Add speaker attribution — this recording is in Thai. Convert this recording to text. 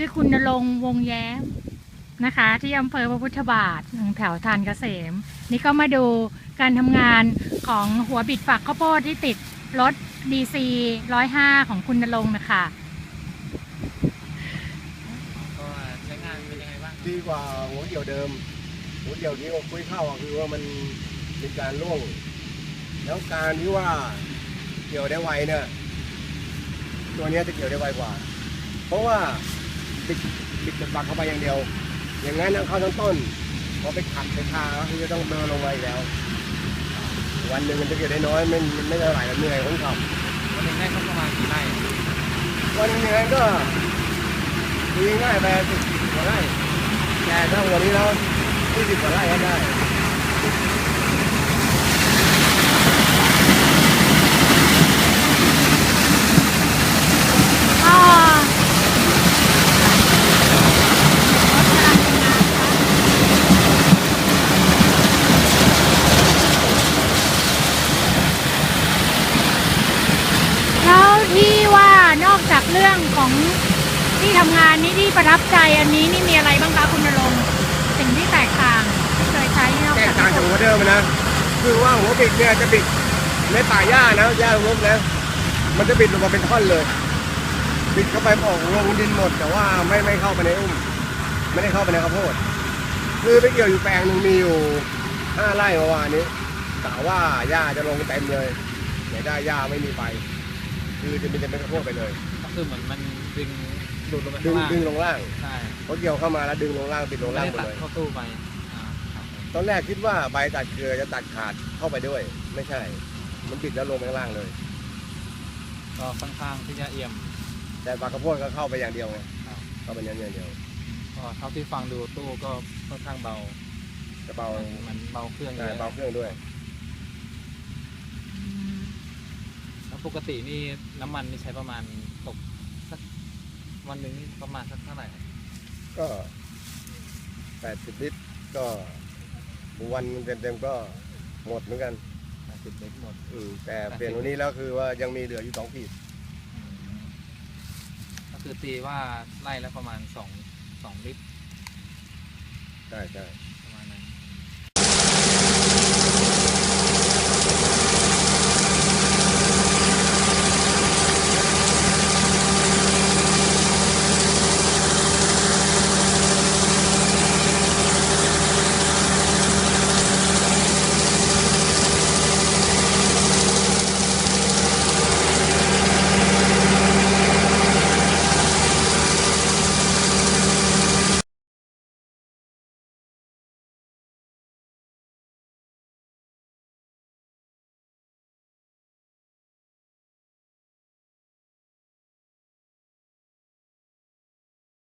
Speaker 1: คุณณรงค์วงแย้มนะคะ ที่อำเภอพระพุทธบาทแถวทานเกษมนี่ก็มาดูการทำงานของหัวบิดฝักข้าวโพดที่ติดรถ DC 105ของคุณณรงค์นะคะ
Speaker 2: ก็ใช้งานเป็นยังไงบ้าง
Speaker 3: ดีกว่าหัวเดี่ยวเดิมหัวเดี่ยวที่เราคุยเข้าคือว่ามันมีการร่วงแล้วการที่ว่าเกี่ยวได้ไวเนี่ยตัวนี้จะเกี่ยวได้ไวกว่าเพราะว่าบิดจะปักเข้าไปอย่างเดียวอย่างนั้นเข้าทั้งต้นพอไปขัดไปทาก็คือจะต้องเดินลงไปแล้ววันหนึ่งมันจะเกี่ยวได้น้อยไม่เท่าไหร่เหนื่อยคนขับ
Speaker 2: วันหนึ่งได้สักประมาณกี่ไร่
Speaker 3: วันหนึ่งก็คุยง่ายไป10 กว่าไร่แต่ถ้าวันนี้แล้ว20 กว่าไร่ก็ได้
Speaker 1: แล้วที่ว่านอกจากเรื่องของที่ทำงานนี้ที่ประทับใจอันนี้นี่มีอะไรบ้างคะคุณณรงค์สิ่งที่แตกต่างที่เคยใช้นอก
Speaker 3: แต
Speaker 1: จาก
Speaker 3: กต่างจากหัวเดิมนะคือว่าหัวบิดเนี่ยจะบิดในป่าหญ้านะหญ้าล้มนะมันจะบิดลงมาเป็นท่อนเลยบิดเข้าไปออกลงดินหมดแต่ว่าไม่เข้าไปในอุ้มไม่ได้เข้าไปในข้าวโพดคือไปเกี่ยวอยู่แปลงหนึ่งมีอยู่5 ไร่เมื่อวานนี้กะว่าหญ้าจะลงเต็มเลยไม่ได้หญ้าไม่มีไปคือจะเป็นข้าวโพดไปเลย
Speaker 2: ก็คือเหมือนมันดึงดูดลงไป
Speaker 3: ดึ
Speaker 2: ข้าง งล่าง
Speaker 3: ดึงลงล่าง
Speaker 2: ใช่
Speaker 3: เขาเกี่ยวเข้ามาแล้วดึงลงล่างปิดลง
Speaker 2: ไม่
Speaker 3: ล่าง
Speaker 2: ได้
Speaker 3: หมด
Speaker 2: ตัด
Speaker 3: เลย
Speaker 2: เข้าตู้ไปครับ
Speaker 3: ตอนแรกคิดว่าใบตัดเกลือจะตัดขาดเข้าไปด้วยไม่ใช่มันปิดแล้วลงไปข้างล่างเลย
Speaker 2: ก็ค่อนข้างที่จะเอี่ยม
Speaker 3: แต่ปลากระโพดก็เข้าไปอย่างเดียวไง
Speaker 2: ครับ
Speaker 3: เข้าไปอย่างเดียว
Speaker 2: ก็เท่าที่ฟังดูตู้ก็ค่อนข้างเบา
Speaker 3: จะเบา
Speaker 2: มันเบาเครื่องเย
Speaker 3: ใช่
Speaker 2: อะ
Speaker 3: เบาเครื่องด้วย
Speaker 2: แล้วปกตินี่น้ำมันนี่ใช้ประมาณตกสักวันหนึ่งนี่ประมาณสักเท่าไหร่
Speaker 3: ก็80 ลิตรก็วันเต็มๆก็หมดเหมือนกัน
Speaker 2: 80 ลิตรหมด
Speaker 3: แต่เปลี่ยนวันนี้แล้วคือว่ายังมีเหลืออยู่2 ขีด
Speaker 2: ก็คือตีว่าไล่แล้วประมาณ2 ลิตร
Speaker 3: ใช่